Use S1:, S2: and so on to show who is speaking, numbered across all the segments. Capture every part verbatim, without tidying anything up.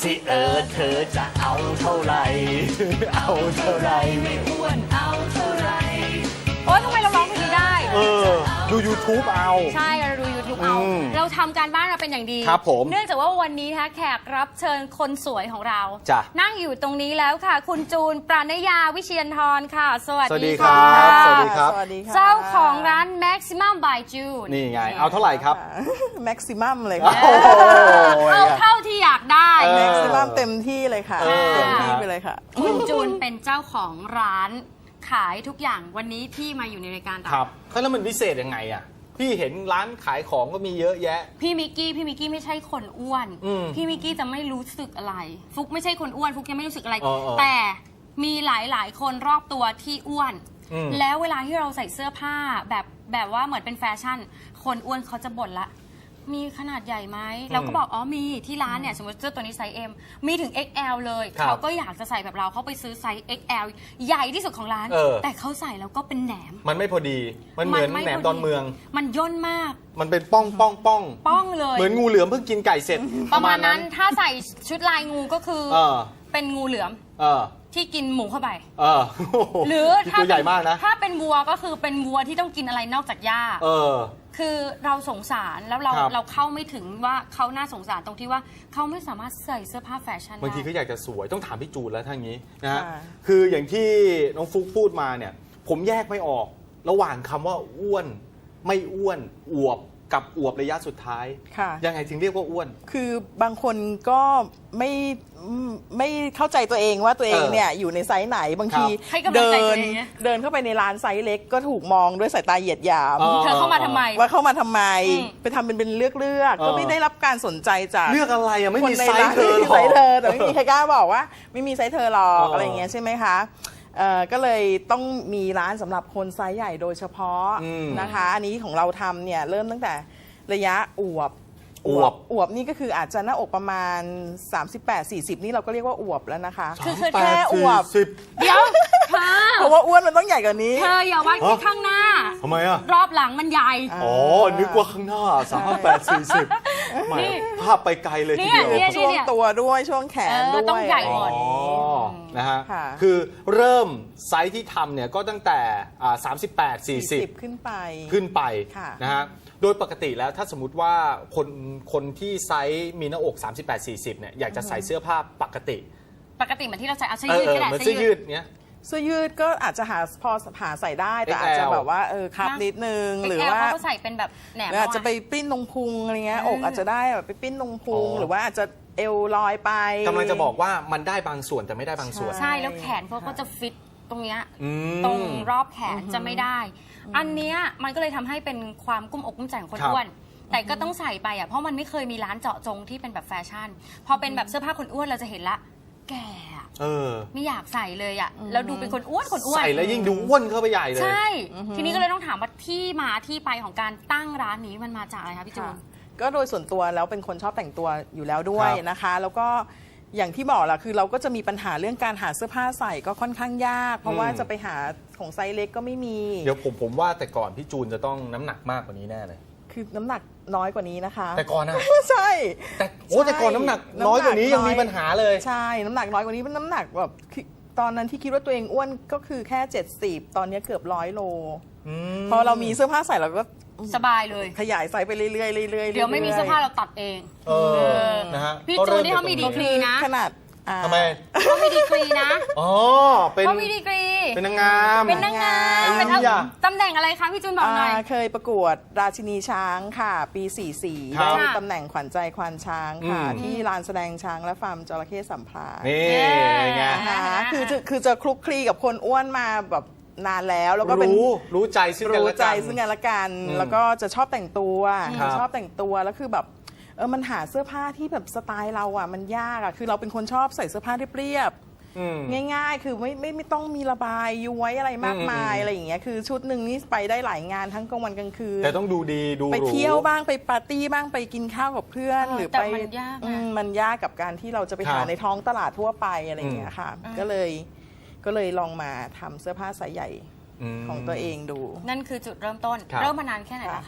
S1: สิเออเธอจะเอาเท่าไหร่เอาเท่าไหร่ไม่อ้วนเอาเท่าไหร่
S2: โอ๊ยทำไมเราร้องเพลงนี้ได้
S3: เออดู YouTube เอา
S2: ใช่เราดู YouTube เอาเราทำการบ้านเราเป็นอย่างดี
S3: ครับผม
S2: เนื่องจากว่าวันนี้นะคะแขกรับเชิญคนสวยของเรา
S3: จ้ะ
S2: นั่งอยู่ตรงนี้แล้วค่ะคุณจูนปราณยาวิเชียรธรค่ะสวัสดี
S3: ค่ะ สวัสดีครับ
S4: สวัสดีค่ะ
S2: เจ้าของร้าน Maximum by June
S3: นี่ไงเอาเท่าไหร่ครับ
S4: Maximum เลยค่ะ
S2: เอาเท่าที่อยากได้
S4: Maximum เต็มที่เลยค่ะเต็มที่ไปเลยค่ะ
S2: คุณจูนเป็นเจ้าของร้านขายทุกอย่างวันนี้ที่มาอยู่ในรายการ
S3: ครับแล้วมันพิเศษยังไงอ่ะพี่เห็นร้านขายของก็มีเยอะแยะ
S2: พี่มิกกี้พี่มิกกี้ไม่ใช่คนอ้วนพี่มิกกี้จะไม่รู้สึกอะไรฟุกไม่ใช่คนอ้วนฟุกยังไม่รู้สึกอะไรแต่มีหลายๆคนรอบตัวที่อ้วนแล้วเวลาที่เราใส่เสื้อผ้าแบบแบบว่าเหมือนเป็นแฟชั่นคนอ้วนเขาจะบ่นละมีขนาดใหญ่ไหมเราก็บอกอ๋อมีที่ร้านเนี่ยสมมติเสื้อตัวนี้ไซส์ M มีถึง เอ็กซ์ แอล เลยเขาก็อยากจะใส่แบบเราเขาไปซื้อไซส์ เอ็กซ์ แอล ใหญ่ที่สุดของร้านแต่เขาใส่แล้วก็เป็นแหนม
S3: มันไม่พอดีมันเหมือนแหนมดอนเมือง
S2: มันย่นมาก
S3: มันเป็นป้องป้องป้อง
S2: ป้องเลย
S3: เหมือนงูเหลือมเพิ่งกินไก่เสร็จ
S2: ประมาณนั้นถ้าใส่ชุดลายงูก็คือเป็นงูเหลือมที่กินหมูเข้าไปหรือถ้า
S3: ตัวใหญ่มากนะ
S2: ถ้าเป็นวัวก็คือเป็นวัวที่ต้องกินอะไรนอกจากหญ้าคือเราสงสารแล้วเราเราเข้าไม่ถึงว่าเขาน่าสงสารตรงที่ว่าเขาไม่สามารถใส่เสื้อผ้าแฟชั่นได้
S3: บางทีเขาอยากจะสวยต้องถามพี่จูนแล้วทั้งนี้นะฮะคืออย่างที่น้องฟุกพูดมาเนี่ยผมแยกไม่ออกระหว่างคำว่าอ้วนไม่อ้วนอวบกับอวบระยะสุดท้ายยังไงถึงเรียกว่าอ้วน
S4: คือบางคนก็ไม่ไม่เข้าใจตัวเองว่าตัวเองเนี่ยอยู่ในไซส์ไหนบางทีเดินเดินเข้าไปในร้านไซส์เล็กก็ถูกมองด้วยสายตาเหยียดหยาม
S2: เธอเข้ามาทำไม
S4: ว่าเข้ามาทำไมไปทำเป็นเป็นเลือกเลือกก็ไม่ได้รับการสนใจจาก
S3: เลือกอะไรอ่ะไม่มีไซส์เธอหรอก
S4: แต่ไม่มีใครกล้าบอกว่าไม่มีไซส์เธอหรอกอะไรอย่างเงี้ยใช่ไหมคะก็เลยต้องมีร้านสำหรับคนไซส์ใหญ่โดยเฉพาะนะคะอันนี้ของเราทำเนี่ยเริ่มตั้งแต่ระยะอวบ
S3: อวบ
S4: อวบนี่ก็คืออาจจะหน้าอกประมาณ สามสิบแปด สี่สิบ นี่เราก็เรียกว่าอวบแล้วนะคะ
S2: คือ
S4: แค่อวบ
S2: เดี๋ยวเธอ
S4: เพราะว่าอ้วนมันต้องใหญ่กว่านี้
S2: เธออย่าว่าที่ข้างหน้า
S3: ทำไมอ่ะ
S2: รอบหลังมันใหญ่
S3: อ๋อนึกว่าข้างหน้า สามสิบแปด สี่สิบ ไม่ภาพไปไกลเลยทีเดียว
S4: ช่วงตัวด้วยช่วงแขนด้วย
S2: ต้องใหญ่หมด
S3: นะฮะคือเริ่มไซส์ที่ทำเนี่ยก็ตั้งแต่สามสิบแปด สี่สิบ
S4: ขึ้นไป
S3: ขึ้นไปนะฮะโดยปกติแล้วถ้าสมมติว่าคนคนที่ไซส์มีหน้าอก สามสิบแปด สี่สิบ เนี่ยอยากจะใส่เสื้อผ้าปกติ
S2: ปกติเหมือนที่เราใส่เอาเสื้อยืดก็ได้
S3: เสื้อยืดเนี้ย
S4: เสื้อยืดก็อาจจะหาพอหาใส่ได้แต่อาจจะแบบว่าเออคับนิดนึงหรือว่า
S2: เขาใส่เป็นแบบแหนม
S4: อาจจะไปปิ้นตรงพุงอะไรเงี้ยอกอาจจะได้แบบไปปิ้นตรงพุงหรือว่าอาจจะเอวลอยไป
S3: กำลังจะบอกว่ามันได้บางส่วนแต่ไม่ได้บางส่วน
S2: ใช่แล้วแขนเขาก็จะฟิตตรงเนี้ยตรงรอบแขนจะไม่ได้อันเนี้ยมันก็เลยทำให้เป็นความกุ้มอกกุ้มใจของคนอ้วนแต่ก็ต้องใส่ไปอ่ะเพราะมันไม่เคยมีร้านเจาะจงที่เป็นแบบแฟชั่นพอเป็นแบบเสื้อผ้าคนอ้วนเราจะเห็นละแก่ไม่อยากใส่เลยอ่ะแล้วดูเป็นคนอ้วนคนอ้วน
S3: ใส่แล้วยิ่งดูอ้วนเข้าไปใหญ่เลย
S2: ใช่ทีนี้ก็เลยต้องถามว่าที่มาที่ไปของการตั้งร้านนี้มันมาจากอะไรคะพี่จูน
S4: ก็โดยส่วนตัวแล้วเป็นคนชอบแต่งตัวอยู่แล้วด้วยนะคะแล้วก็อย่างที่บอกแหละคือเราก็จะมีปัญหาเรื่องการหาเสื้อผ้าใส่ก็ค่อนข้างยากเพราะว่าจะไปหาของไซส์เล็กก็ไม่มี
S3: เดี๋ยวผมผมว่าแต่ก่อนพี่จูนจะต้องน้ำหนักมากกว่านี้แน่เลย
S4: คือน้ำหนักน้อยกว่านี้นะคะ
S3: แต่ก่อนนะ
S4: ใช่
S3: แต่โอ้แต่ก่อนน้ำหนักน้อยกว่านี้ยังมีปัญหาเลย
S4: ใช่น้ำหนักน้อยกว่านี้เป็นน้ำหนักแบบตอนนั้นที่คิดว่าตัวเองอ้วนก็คือแค่เจ็ดสิบตอนนี้เกือบร้อยโลพอเรามีเสื้อผ้าใส่เราก็
S2: สบายเลย
S4: ขยายไซส์ไปเรื่อยๆเรื่อยๆ
S2: เดี๋ยวไม่มีเสื้อผ้าเราตัดเอง
S3: นะฮะ
S2: พี่จูนนี่เขามีดีกรีนะ
S4: ขนาด
S3: ทำไม
S2: เขามีดีกรีนะ
S3: อ๋อเป็น
S2: เขามีดีกรี
S3: เป็นนางงาม
S2: เป็นนางงามเป็นตำแหน่งอะไรคะพี่จูนบอกหน่อย
S4: เคยประกวดราชินีช้างค่ะปีสี่สิบสี่ได้ตำแหน่งขวัญใจควานช้างค่ะที่ลานแสดงช้างและฟาร์มจระเข้สัมพา
S3: นี่ไง
S4: คือคือจะคลุกคลีกับคนอ้วนมาแบบนานแล้วแล้วก็เป็น
S3: รู้รู้ใจซึ่งกันและกัน
S4: รู้ใจซึ่งกันและกันแล้วก็จะชอบแต่งตัวชอบแต่งตัวแล้วคือแบบเออมันหาเสื้อผ้าที่แบบสไตล์เราอ่ะมันยากอ่ะคือเราเป็นคนชอบใส่เสื้อผ้าเรียบๆง่ายๆคือไม่ไม่ไม่ต้องมีระบายย้วยอะไรมากมายอะไรอย่างเงี้ยคือชุดหนึ่งนี่ไปได้หลายงานทั้งกลางวันกลางคืน
S3: แต่ต้องดูดีดู
S4: ไปเที่ยวบ้างไปปาร์ตี้บ้างไปกินข้าวกับเพื่อนหรือไป
S2: มันยาก
S4: มันยากกับการที่เราจะไปหาในท้องตลาดทั่วไปอะไรอย่างเงี้ยค่ะก็เลยก็เลยลองมาทำเสื้อผ้าไซส์ใหญ่ของตัวเองดู
S2: นั่นคือจุดเริ่มต้นเริ่มมานานแค่ไหนนะคะ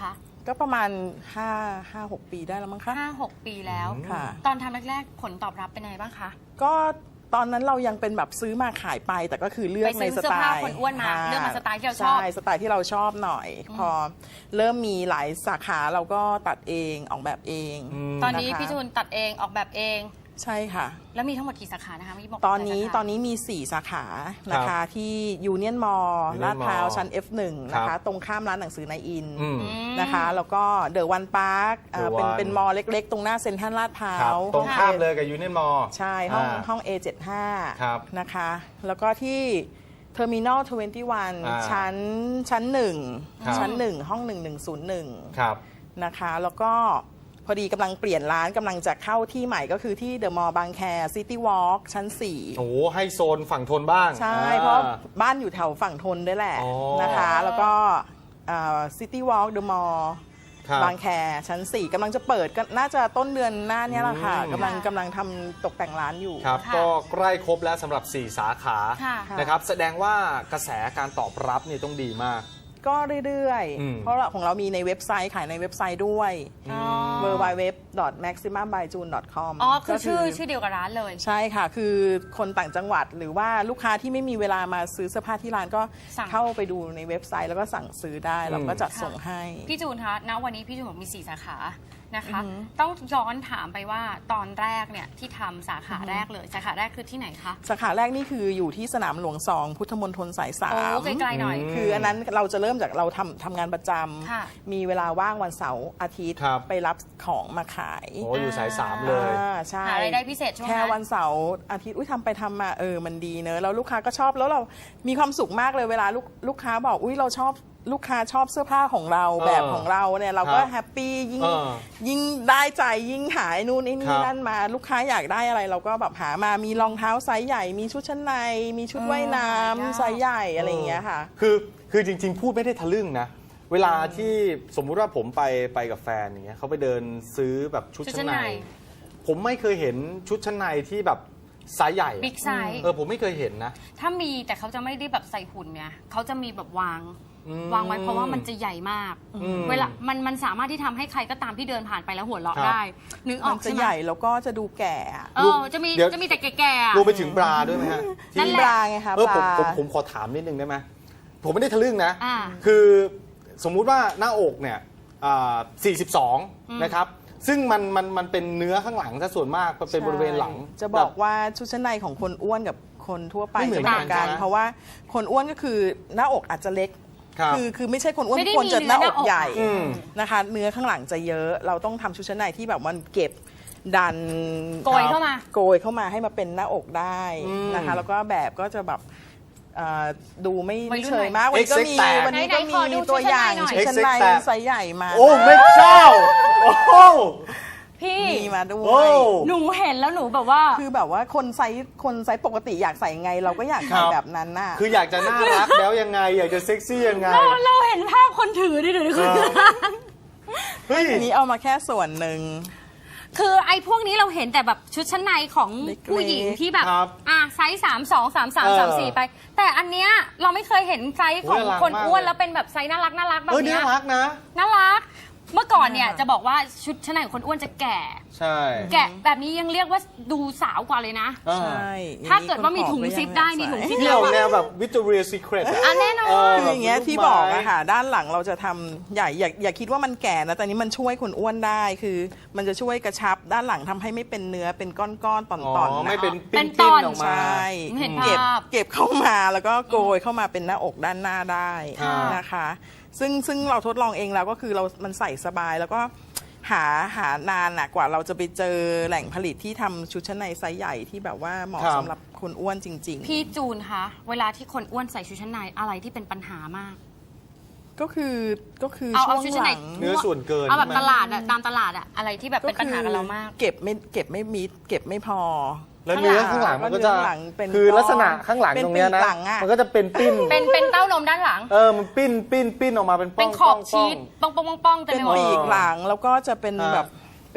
S4: ก็ประมาณห้า ห้า หก ปีได้แล้วมั้งคะ
S2: ห้าหกปีแล้ว
S4: ค่ะ
S2: ตอนทำแรกๆผลตอบรับเป็นไงบ้างคะ
S4: ก็ตอนนั้นเรายังเป็นแบบซื้อมาขายไป แต่ก็คือเลือก
S2: ไปซื้
S4: ใน
S2: อ
S4: ส
S2: เสื้อ
S4: ไต
S2: ผ้า
S4: ล์
S2: คนอ้วนมา
S4: ค่ะ
S2: เลือกมาสไตล์ที่เราชอบ
S4: ใช่สไตล์ที่เราชอบหน่อย พอเริ่มมีหลายสาขาเราก็ตัดเองออกแบบเอง
S2: ตอนนี้
S4: ะคะ
S2: พี่จูนตัดเองออกแบบเอง
S4: ใช่ค่ะ
S2: แล้วมีทั้งหมดกี่สาขานะคะเมื่อกี้บอก
S4: ตอนนี้
S2: หลายสาขา
S4: ตอนนี้มี สี่ สาขานะคะที่ยูเนียนมอลล์
S3: Union
S4: ลาดพร้าว
S3: Mall
S4: ชั้น เอฟ หนึ่ง นะ
S3: ครั
S4: คะ
S3: บ
S4: ตรงข้ามร้านหนังสือนายอิน
S3: อืม
S4: นะคะ แล้วก็เดอะวันพาร์ค
S3: The
S4: เป็น
S3: One
S4: เป็นมอลล์เล็กๆ ตรงหน้าเซ็นทรัลลาดพร้า
S3: ครับ
S4: ว
S3: ตรงข้ามเลยกับยูเนียนมอล
S4: ใช่ ห้องห้อง เอ เจ็ดสิบห้า
S3: ครับ
S4: นะคะ แล้วก็ที่เทอร์มินอลทเวนตี้วัน
S3: อ่า
S4: ชั้นชั้นหนึ่ง
S3: ครับ
S4: ชั้นหนึ่งห้องหนึ่งหนึ่งศูนย์หนึ่ง
S3: ครับ
S4: นะคะ แล้วก็พอดีกำลังเปลี่ยนร้านกำลังจะเข้าที่ใหม่ก็คือที่เดอะมอลล์บางแคซิตี้วอล์กชั้นสี่
S3: โอ้โหให้โซนฝั่งทนบ้าง
S4: ใช่
S3: อ่
S4: เพราะบ้านอยู่แถวฝั่งทนด้วยแหละ
S3: อ๋อ
S4: นะคะ แล้วก็ซิตี้วอล์กเดอะมอลล์
S3: ครับ
S4: บางแคชั้นสี่กำลังจะเปิดก็น่าจะต้นเดือนหน้าเนี้แหละค่ะ
S3: อืม
S4: กำลังกำลังทำตกแต่งร้านอยู่
S3: ครับ
S2: ค่ะ
S3: ก็ใกล้ครบแล้วสำหรับ สี่ สาขา
S2: ค่ะ
S3: นะครับ แสดงว่ากระแสการตอบรับนี่ต้องดีมาก
S4: ก็เรื่อย
S3: อืม
S4: ๆ เพราะเราของเรามีในเว็บไซต์ขายในเว็บไซต์ด้วย
S2: อ๋อ
S4: ดับเบิลยู ดับเบิลยู ดับเบิลยู ดับเบิลยู ดอท แม็กซิมัม บาย จูน ดอท คอม
S2: อ๋อคือชื่อชื่อเดียวกับร้านเลย
S4: ใช่ค่ะ คือคนต่างจังหวัดหรือว่าลูกค้าที่ไม่มีเวลามาซื้อเสื้อผ้าที่ร้านก็
S2: สั่ง
S4: เข้าไปดูในเว็บไซต์แล้วก็สั่งซื้อได้เราก็จัดส่งให้
S2: พี่จูนคะณวันนี้พี่จูนบอกมี สี่ สาขานะคะ ต้องย้อนถามไปว่าตอนแรกเนี่ยที่ทำสาขาแรกเลย สาขาแรกคือที่ไหนคะ
S4: สาขาแรกนี่คืออยู่ที่สนามหลวงสองพุทธมณฑลสายสา
S2: โอ้
S4: ม
S2: ไกลๆหน่อย
S4: คืออันนั้นเราจะเริ่มจากเราทำทำงานประจ
S2: ค่ะ
S4: ำมีเวลาว่างวันเสาร์อาทิตย์
S3: ครับ
S4: ไปรับของมาขาย
S3: โอ้อยู่สายสามเลย
S4: อ่าใช่
S2: หารายได้พิเศษช่วงนั้น
S4: แค่วันเสาร์อาทิตย์อุ้ยทำไปทำมาเออมันดีเนอะแล้วลูกค้าก็ชอบแล้วเรามีความสุขมากเลยเวลาลูกลูกค้าบอกอุ้ยเราชอบลูกค้าชอบเสื้อผ้าของเรา
S3: เออ
S4: แบบของเราเนี่ยเราก็
S3: ครับ
S4: แฮปปี้ยิ่ง
S3: เออ
S4: ยิ่งได้ใจยิ่งหายนู่นไอ้
S3: ค
S4: นี่
S3: รับ
S4: นั่นมาลูกค้าอยากได้อะไรเราก็แบบหามามีรองเท้าไซส์ใหญ่ มีชุดชั้นใน มีชุดว่ายน้
S2: หายาก
S4: ำไซส์ใหญ่อะไรอย่างเงี้ยค่ะ
S3: คือคือจริง ๆ พูดไม่ได้ทะลึ่งนะ เวลาที่สมมุติว่าผมไปไปกับแฟนอย่างเงี้ยเขาไปเดินซื้อแบบชุด
S2: ชุดชั้
S3: ชั้น
S2: น
S3: ใน
S2: ใน
S3: ผมไม่เคยเห็นชุดชั้นในที่แบบไซส์ใหญ่
S2: บิ๊กไซส์
S3: เออผมไม่เคยเห็นนะ
S2: ถ้ามีแต่เขาจะไม่ได้แบบใส่หุ่นไงเขาจะมีแบบวาง
S3: อืม
S2: วางไว้เพราะว่ามันจะใหญ่มาก
S3: อืม
S2: เวลามันมันสามารถที่ทำให้ใครก็ตามที่เดินผ่านไปแล้วหัวเราะ
S3: ครับ
S2: ได้ นึกอ
S4: มั
S2: อน ก
S4: จะ
S2: ใช่ไหม
S4: ใหญ่แล้วก็จะดูแก่อะ
S2: เออจะมี
S3: เดี๋ยว
S2: จะมีแต่แก่ๆอะ
S3: รวมไปถึงบราด้วยไหมฮะ
S2: นั่น
S4: มี
S2: แหละ
S4: บราไงคะ
S3: เออบ ผม
S4: รา
S3: ผมผมขอถามนิดนึงได้ไหมผมไม่ได้ทะลึ่งนะ
S2: อ่า
S3: คือสมมุติว่าหน้าอกเนี่ยอ่าสี่สิบสองนะครับ ซึ่งมันมันมันเป็นเนื้อข้างหลังซะส่วนมากมันเป็นบริเวณหลัง
S4: ใช่จะบอกว่าชุดชั้นในของคนอ้วนกับคนทั่วไป
S3: ไม่เหมือน
S4: จะต่าง
S3: กั
S4: กัน น
S3: ใช่ไหม
S4: เพราะว่าคนอ้วนก็คือหน้าอกอาจจะเล็ก
S3: ครับ
S4: คือคือไม่ใช่คนอ้วน
S2: ไม่ได้
S4: ควรจะ
S2: มี
S4: หน้า
S2: เนื้
S4: อ
S2: อหน้าอก
S4: กใหญ่
S3: อืม
S4: นะคะ เนื้อข้างหลังจะเยอะ เราต้องทำชุดชั้นในที่แบบมันเก็บดัน
S2: โกยเข้ามา
S4: โกยเข้ามาให้มาเป็นหน้าอกได้นะคะ แล้วก็แบบก็จะแบบเอ่อดูไม่
S2: วัยรุ่น
S4: เฉยมากวันนี้ก็มี
S3: เอ็กซ์แตก
S4: วันนี้ก็
S2: ไหนๆขอดู
S4: มีตัวอย่าง
S2: ชุดชั้นในหน่อย
S4: ชุดชั้นใน
S3: เอ็กซ์แตก
S4: ไซส์ใหญ่มา
S3: โอ้ไม่เจ้า โอ้โห
S2: พี่
S4: มีมาด้ว
S3: โอ้
S4: ย
S2: หนูเห็นแล้วหนูแบบว่า
S4: คือแบบว่าคนไซส์คนไซส์ปกติอยากใส่ไงเราก็อยาก
S3: ครั
S4: ใส่
S3: บ
S4: แบบนั้นน่ะ
S3: คืออยากจะน่ารักแล้วยังไง อยากจะเซ็กซี่ยังไง
S2: เราเราเห็นภาพคนถือดิเดี๋ยวนี้คือ
S3: เฮ้ย
S4: อันนี้เอามาแค่ส่วนหนึ่ง
S2: คือไอ้พวกนี้เราเห็นแต่แบบชุดชั้นในของ
S4: เล็กๆ
S2: ผู้หญิงที่แบบ
S3: ครับ
S2: อ่ะไซส์สามสองสามสาม
S3: เออ
S2: สามสี่ไป แต่อันเนี้ยเราไม่เคยเห็นไซส์ของ
S3: โอ้ยน่ารัก
S2: คน
S3: มาก
S2: อ้วน
S3: เลย
S2: แล้วเป็นแบบไซส์น่ารักน่ารักแบบ
S3: เออ
S2: เนี้
S3: น่าย รักนะ
S2: น่ารัก เมื่อก่อนเนี่ยจะบอกว่าชุดชั้นในของคนอ้วนจะแก่
S3: ใช่
S2: แกะแบบนี้ยังเรียกว่าดูสาวกว่าเลยนะ
S3: อ่า
S4: ใช่
S2: ถ้าเกิดว่ามีถุงซิปได้มีถุงซิป
S3: เที่ยวแนวแบบวิ c t o เรียซีเครต
S2: อ่ะแน่นอน
S4: คืออย่างเงี้ยที่บอกอะค่ะด้านหลังเราจะทำใหญ่อย่าอย่าคิดว่ามันแก่นะแต่นี้มันช่วยคนอ้วนได้คือ มันจะช่วยกระชับด้านหลังทำให้ไม่เป็นเนื้อเป็นก้อนๆต
S3: อ๋อ
S4: อนๆ
S3: ไม่
S4: นะ
S3: เป็น
S2: เป็
S3: ปิ้
S2: น
S3: น
S2: ต
S3: ปิ้
S2: อน น
S3: ออกมา
S4: ใช่
S2: เห็น
S4: เก็บ
S2: ภาพ
S4: เก็บเข้ามาแล้วก็โกยเข้ามาเป็นหน้าอกด้านหน้าได้
S3: อ่าน
S4: นะคะ ซึ่งซึ่งเราทดลองเองแล้วก็คือเรา มันใส่สบายแล้วก็หาหานานน่ะกว่าเราจะไปเจอแหล่งผลิตที่ทำชุดชั้นในไซส์ใหญ่ที่แบบว่าเหมาะ
S3: ครับ
S4: สำหรับคนอ้วนจริง
S2: พี่จูนคะเวลาที่คนอ้วนใส่ชุดชั้นในอะไรที่เป็นปัญหามาก
S4: ๆ ก็คือก็คือ
S2: เอา
S4: ช่
S2: เอา
S4: วง
S2: ชุด
S4: ห
S2: ชั้นใน
S4: ลัง
S3: เนื้อส่วนเกิน
S2: เอาแบบ
S3: ใช่ไหม
S2: ตลาดอะตามตลาดอะอะไรที่แบบเป็นปัญหากับเรามาก
S4: เก็บไม่เก็บไม่มิดเก็บไม่พอ
S3: แล้วเนื้อข้างหลังมันก็จะ
S4: เนื้อข้างหลังเป็น
S3: คือลักษณะข้างหลัง
S4: เป็น
S3: ตรงเนี้ยนะ
S4: ปีกหลังอะ
S3: มันก็จะเป็นปิ้น
S2: เป็นเป็นเต้านมด้านหลัง
S3: เออ มันปิ้นปิ้นปิ้นออกมาเป็นป้
S2: เป็
S3: อน ง
S2: ขอบ
S3: ป้ง
S2: ชีสป้องป้องป้องป้องเต็ม
S4: เป็
S2: ไป
S4: น
S2: หมด
S4: ปีกหลังแล้วก็จะเป็น
S3: อ่า
S4: แบบเป็น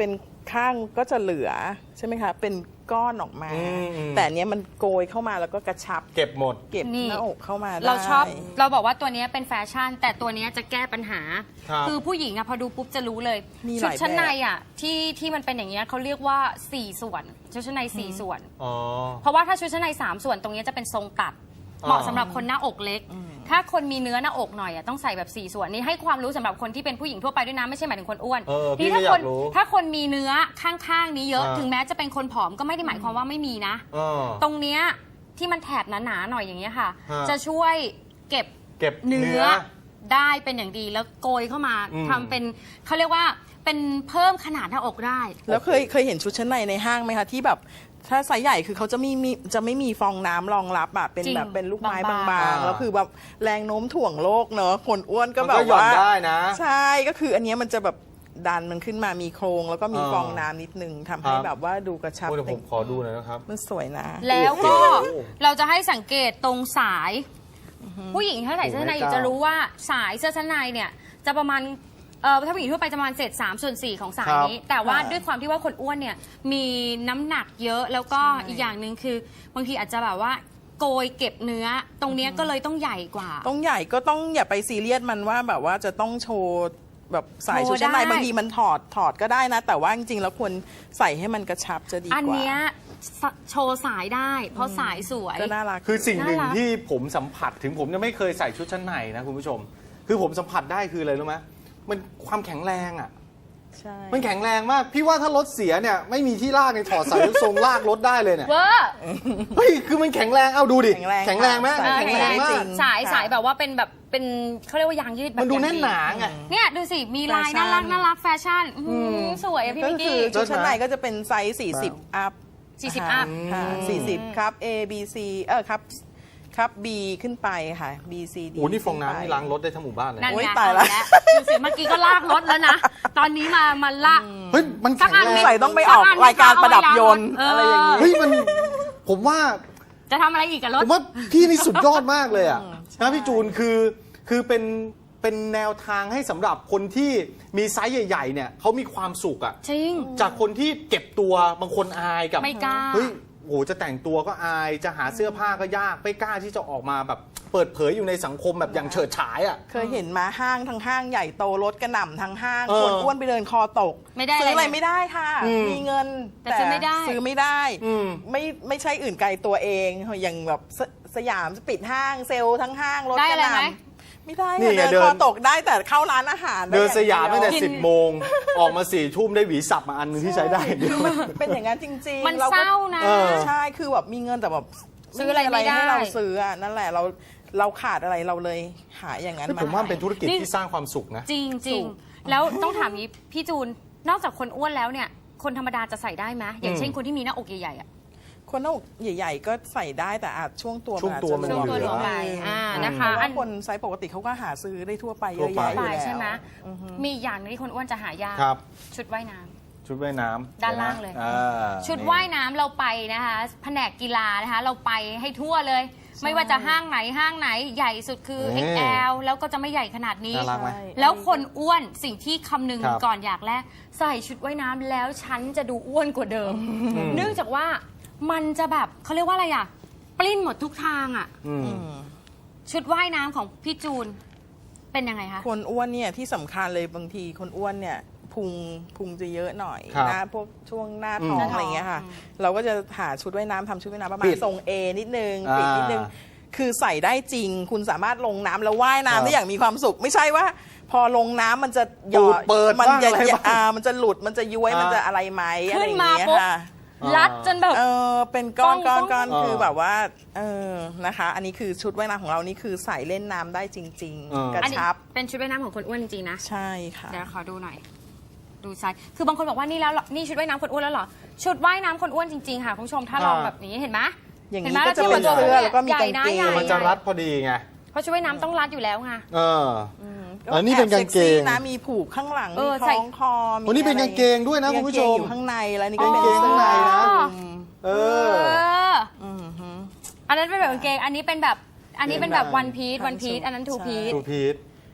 S4: ข้างก็จะเหลือใช่ไหมคะเป็นก้อนออกมา
S3: อืมอืม
S4: แต่อันเนี้ยมันโกยเข้ามาแล้วก็กระชับ
S3: เก็บหมด
S4: เก็บ
S2: นี่
S4: หน้าอกเข้ามาได้
S2: เราชอบเราบอกว่าตัวเนี้ยเป็นแฟชั่น แต่ตัวเนี้ยจะแก้ปัญหา
S3: ครับ
S2: อผู้หญิงอะพอดูปุ๊บจะรู้เลย
S4: มีห
S2: ชุด
S4: ลาย
S2: ชั้นใน
S4: แบบ
S2: อะที่ที่มันเป็นอย่างเงี้ยเขาเรียกว่าสี่ส่วนชุดชั้นในสี่ส่วน
S3: อ๋อ
S2: เพราะว่าถ้าชุดชั้นในสามส่วนตรงเนี้ยจะเป็นทรงตัด เหมาะสำหรับคนหน้าอกเล็ก ถ้าคนมีเนื้อหน้าอกหน่อยอะต้องใส่แบบสี่ส่วนนี่ให้ความรู้สำหรับคนที่เป็นผู้หญิงทั่วไปด้วยนะไม่ใช่หมายถึงคนอ้วน
S3: เออพี่
S2: นี่ถ้า
S3: ก็อยาก
S2: คน
S3: รู้
S2: ถ้าคนมีเนื้อข้างๆนี้เยอะ
S3: อ่า
S2: ถึงแม้จะเป็นคนผอมก็ไม่ได้หมายความว่าไม่มีนะ
S3: อ๋อ
S2: ตรงเนี้ยที่มันแถบหนาๆหน่อยอย่างเงี้ยค่ะ
S3: ฮะ
S2: จะช่วยเก็บ
S3: เก็บ
S2: เนื้
S3: เนื้
S2: อ
S3: อ
S2: ได้เป็นอย่างดีแล้วโกยเข้ามา
S3: อืม
S2: ทำเป็นเขาเรียกว่าเป็นเพิ่มขนาดหน้าอกได้
S4: แล้วเคยเคยเห็นชุดชั้นในในห้างไหมคะที่แบบถ้าไซส์ใหญ่คือเขาจะมีมีจะไม่มีฟองน้ำรองรับอะเป็น
S2: จริง
S4: แบบเป็นลูกไม้
S2: บางๆ
S4: บางๆแล้วคือแบบแรงโน้มถ่วงโลกเนอะคนอ้วนก็
S3: มัน
S4: แบ
S3: ก็
S4: บ
S3: หย่อน
S4: ว่า
S3: ได้นะ
S4: ใช่ก็คืออันเนี้ยมันจะแบบดันมันขึ้นมามีโครงแล้วก็มี
S3: อ่า
S4: ฟองน้ำนิดนึงทำให้
S3: ครับ
S4: แบบว่าดูกระชับ
S3: โอ้เดี๋ยวผมขอดูหน่อยนะครับ
S4: มันสวยนะ
S2: แล้วก็
S3: โอ้โห
S2: เราจะให้สังเกตตรงสาย ผู้หญิงถ้าใส่เสื้อชั้นในอยู่จะรู้ว่าสายเสื้อชั้นในเนี่ยจะประมาณเอ่อถ้าผู้หญิงทั่วไปจะประมาณเศษสามส่วนสี่ของสายนี้ แต่ว่า
S4: ค่ะ
S2: ด้วยความที่ว่าคนอ้วนเนี่ยมีน้ำหนักเยอะแล้วก็
S4: ใช่
S2: อีกอย่างหนึ่งคือบางทีอาจจะแบบว่าโกยเก็บเนื้อ ตรงเนี้ยก็เลยต้องใหญ่กว่า
S4: ต้องใหญ่ก็ต้องอย่าไปซีเรียสมันว่าแบบว่าจะต้องโชว์แบบสาย
S2: โชว์
S4: ชุดชั้นใน
S2: ได้
S4: บางทีมันถอดถอดก็ได้นะ แต่ว่าจริงๆแล้วควรใส่ให้มันกระชับจะดีกว่า
S2: อันเนี้ยสโชว์สายได้ เพราะสายสวย
S4: ก็น่ารัก
S3: คือสิ่งหนึ่ง
S2: น่ารัก
S3: ที่ผมสัมผัสถึงผมจะไม่เคยใส่ชุดชั้นในนะคุณผู้ชม คือผมสัมผัสได้คืออะไรรู้ไหมมันความแข็งแรงอ่ะ
S4: ใช่
S3: มันแข็งแรงมาก พี่ว่าถ้ารถเสียเนี่ยไม่มีที่ลากในถอดสายยกทรงลากรถได้เลยเนี่ย
S2: เวอร์
S3: เฮ้ยคือมันแข็งแรงเอาดูดิ
S4: แข็งแรง
S3: แข็งแรงไหม
S4: ค่ะ
S3: แข็งแรงมาก
S4: จริง
S2: สาย
S4: ค่ะ
S2: สายแบบว่าเป็นแบบเป็นเขาเรียกว่ายางยืดแบบ
S3: มันดู
S2: อย่ง
S3: แน่นหนาไง
S2: เนี่ยดูสิ มีลาย
S4: แฟชั่
S2: น่าน รักน่ารักแฟชั่นอื้อหือสวยอะพี่
S4: ก็
S2: มิก
S4: คื
S2: กี้
S4: อชุดชั้นในก็จะเป็นไซส์สี่สิบอัพ
S2: สี่สิบอัพ
S4: ค่ะสี่สิบครับ A B C เออครับครับ B ขึ้นไปค่ะ B C D
S3: โอ้นี่ฟองน้ำนี่ล้างรถได้ทั้งหมู่บ้านเลย
S2: นั่น
S4: โอ้ย
S2: ไง
S4: ตายละ
S2: เอดูสิเมื่อกี้ก็ลากรถแล้วนะ ตอนนี้มามาลาก
S3: เฮ้ยมัน
S2: สั
S3: แข็
S2: ก
S3: ง
S2: อัน
S3: แร
S2: ไม่
S3: ง
S4: ใส่ต้องไปออกรายการประดับยนต์
S2: เ
S4: อะไรอย่างนี้
S3: เฮ้ยมันผมว่า
S2: จะทำอะไรอีกกับร
S3: ผ
S2: ถ
S3: มว่าพี่นี่สุดยอดมากเลยอ่ะนะพี่จูนคือคือเป็นเป็นแนวทางให้สำหรับคนที่มีไซส์ใหญ่ๆเนี่ยเขามีความสุขอ่ะ
S2: จริง
S3: จากคนที่เก็บตัวบางคนอายกับ
S2: ไม่กล้า
S3: เฮ้ยโหจะแต่งตัวก็อายจะหาเสื้อผ้าก็ยากไม่กล้าที่จะออกมาแบบเปิดเผยอยู่ในสังคมแบบอย่างเฉิดฉายอ่ะ
S4: เคยเห็นมาห้างทั้งห้างใหญ่โตรถกระหน่ำทั้งห้าง
S3: เออ
S4: คนอ้วนไปเดินคอตก
S2: ไม่ได้
S4: ซื้ออะไร
S2: เลย
S4: ไม่ได้ค่ะ
S3: อืม
S4: มีเงิน
S2: แต่ซื้อไม่ได้
S4: ซื้อไม่ได้
S3: อืม
S4: ไม่ไม่ใช่อื่นไกลตัวเองอย่างแบบสสยามจะปิดห้างเซลล์ทั้งห้างรถ
S2: ได้
S4: กระ
S2: อะไร
S4: ห
S2: ไหม
S4: น่ำไม่ได้
S3: นี่
S4: ค่ะ
S3: ไง
S4: เดิน
S3: เดิน
S4: คอตกได้แต่เข้าร้านอาหารไ
S3: เดินสยามตั้งแต่
S4: อ
S3: สิบโมงออกมาสี่ทุ่มได้หวีสับมาอันหนึงที่ใช้ได้เดียว
S4: เป็นอย่างนั้นจริงๆ
S2: มัน
S4: ก็
S2: เศร้านะ
S3: เออ
S4: ใช่คือแบบมีเงินแต่แบบ
S2: ซื้ออะไรไม่ได้
S4: ให้เราซื้ออ่ะนั่นแหละเราเราขาดอะไรเราเลยหาอย่างนั้น
S3: เฮ้ย
S4: มา
S3: ผมว่ามันเป็นธุรกิจ
S2: นี่
S3: ที่สร้างความสุขนะ
S2: จริงจริงแล้วต้องถามนี้พี่จูน นอกจากคนอ้วนแล้วเนี่ย คนธรรมดาจะใส่ได้ไหมอย่างเช่นคนที่มีหน้าอกใหญ่ๆอะ
S4: คนหน้าอกใหญ่ๆ ก็ใส่ได้แต่อาจช่วงตัว
S3: ช่วงตัวมัน
S4: อาจจะ
S2: ช่วงตัว
S3: เห
S2: ห
S3: ลื
S2: ล
S3: อ
S2: วงไปอ่านะคะ
S4: เพราะ
S2: อั
S4: ว่าน คนไซส์ปกติเขาก็หาซื้อได้ทั่วไปเย
S3: ทั่ว
S4: อะ
S3: ไป
S4: แยะอยู่
S2: ไป
S4: แล้ว
S2: ใช่ไหมมีอีกอย่างหนึงที่คนอ้วนจะหายาก
S3: ครับ
S2: ชุดว่ายน้ำ
S3: ชุดว่ายน้ำ
S2: ด้านล่างเลย
S3: อ่า
S2: ชุดว่ายน้ำเราไปนะคะแผนกกีฬานะคะ เราไปให้ทั่วเลย ไม่ว่าจะห้างไหนห้างไหนใหญ่สุดคือ
S3: นี่
S2: เอ็กซ์ แอล แล้วก็จะไม่ใหญ่ขนาดนี้
S3: น่ารักไหม
S4: ใช่
S2: แล้วคนอ้วนสิ่งที่คำนึง
S3: ครับ
S2: ก่อนอยากแรกใส่ชุดว่ายน้ำแล้วฉันจะดูอ้วนกว่าเดิม เนื่องจากว่ามันจะแบบเขาเรียกว่าอะไรอ่ะ ปลิ้นหมดทุกทางอ่ะ
S3: อืม
S2: ชุดว่ายน้ำของพี่จูนเป็นยังไงคะ
S4: คนอ้วนเนี่ยที่สำคัญเลยบางทีคนอ้วนเนี่ยพุงพุงจะเยอะหน่อย
S3: ครับ
S4: หน้าพวกช่วงหน้าท้อง
S3: อืม
S4: อะไรเงี้ยค่ะ
S2: อืม
S4: เราก็จะหาชุดว่ายน้ำทำชุดว่ายน้ำประมา
S3: ปิ
S4: ณ
S3: ด
S4: ทรง A นิดนึง
S3: อ่า
S4: ปิดนิดนึงคือใส่ได้จริง คุณสามารถลงน้ำแล้วว่าย
S3: ครับ
S4: น้ำได้อย่างมีความสุข ไม่ใช่ว่า พอลงน้ำมันจะหยอ
S3: ปู
S4: ด
S3: ดเปิด
S4: มั
S3: บ้าง
S4: จะ
S3: อะไรบ้าง
S4: อ่ามันจะหลุดมันจะย้วย
S3: อ่ามั
S4: มันจะอะไรไหมอะไร
S2: ขึ้น
S4: อย่าง
S2: มา
S4: เงี้ย
S2: ปุ๊บ
S4: ค่ะ
S2: รัดจนแบบ
S4: เออเป็นก้อน
S2: ป้
S4: ก้
S2: อ
S4: อง นก้อน
S3: ป้อง
S4: คือแบบว่าเออนะคะ อันนี้คือชุดว่ายน้ำของเรานี่คือใส่เล่นน้ำได้จริง
S3: เออ
S4: ๆ กระ
S2: อันนี้
S4: ชับ
S2: เป็นชุดว่ายน้ำของคนอ้วนจริงๆนะ
S4: ใช่ค่ะ
S2: เดี๋ยวขอดูหน่อย ดูไซส์คือบางคนบอกว่านี่แล้วเหรอนี่ชุดว่ายน้ำคนอ้วนแล้วเหรอ ชุดว่ายน้ำคนอ้วนจริงๆค่ะคุณผู้ชมถ้าลอง
S3: อ่า
S2: แบบนี้เห็นไหม
S4: อย่าง
S2: เห็
S4: นี้
S2: ไหม
S4: ก็จะเป็น
S2: ทียบบ
S4: เสื้อแล้วก็มี
S2: ใหญ่
S4: กาง
S2: นะ
S4: เกง
S2: ใหญ่
S3: มันจะรัดพอดีไง
S2: เพราะชุดว่ายน้ำต้องรัดอยู่แล้วไง
S3: เออ อันนี้เป็นกางเกง
S4: แอบซ็ซี่นะมีผูกข้างหลัง
S2: เอ
S4: มี
S2: อ
S4: ค
S2: ใส่
S4: ล้องคอมี
S3: โอ้นี่เป็น
S4: อะไร
S3: กางเกงด้วยนะคุณผู้ชม
S4: กางเกงอยู่ข้างในแล้วนี่ก็
S3: กาง
S4: เป็น
S3: เกงข้างในนะ
S2: อ๋อ
S3: เอ
S2: เอ
S3: อ
S2: ออันนั้นเป็นแบบกางเกง อันนี้เป็นแบบ อันนี้เป็นแบบวันพี e วันพี e อันนั้นทูพี e
S3: ทูพีท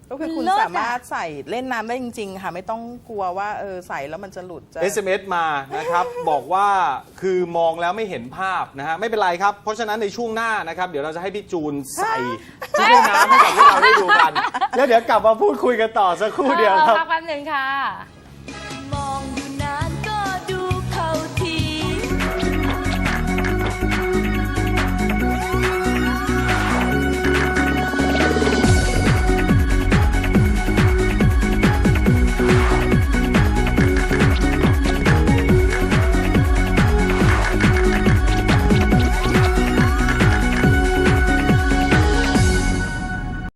S4: ก็คือคุณ
S2: เลิศอะ
S4: สามารถใส่เล่นน้ำได้จริง ๆ ค่ะ ไม่ต้องกลัวว่าเออใส่แล้วมันจะหลุดจะ
S3: เอส เอ็ม เอส มานะครับ บอกว่าคือมองแล้วไม่เห็นภาพนะฮะไม่เป็นไรครับ เพราะฉะนั้นในช่วงหน้านะครับ เดี๋ยวเราจะให้พี่จูนใส่ที่เล่นน้ำให้กับพวกเราได้ดูกัน แล้วเดี๋ยวกลับมาพูดคุยกันต่อสักครู่เดียวครับ
S2: พักแป๊บหนึ่งค่ะ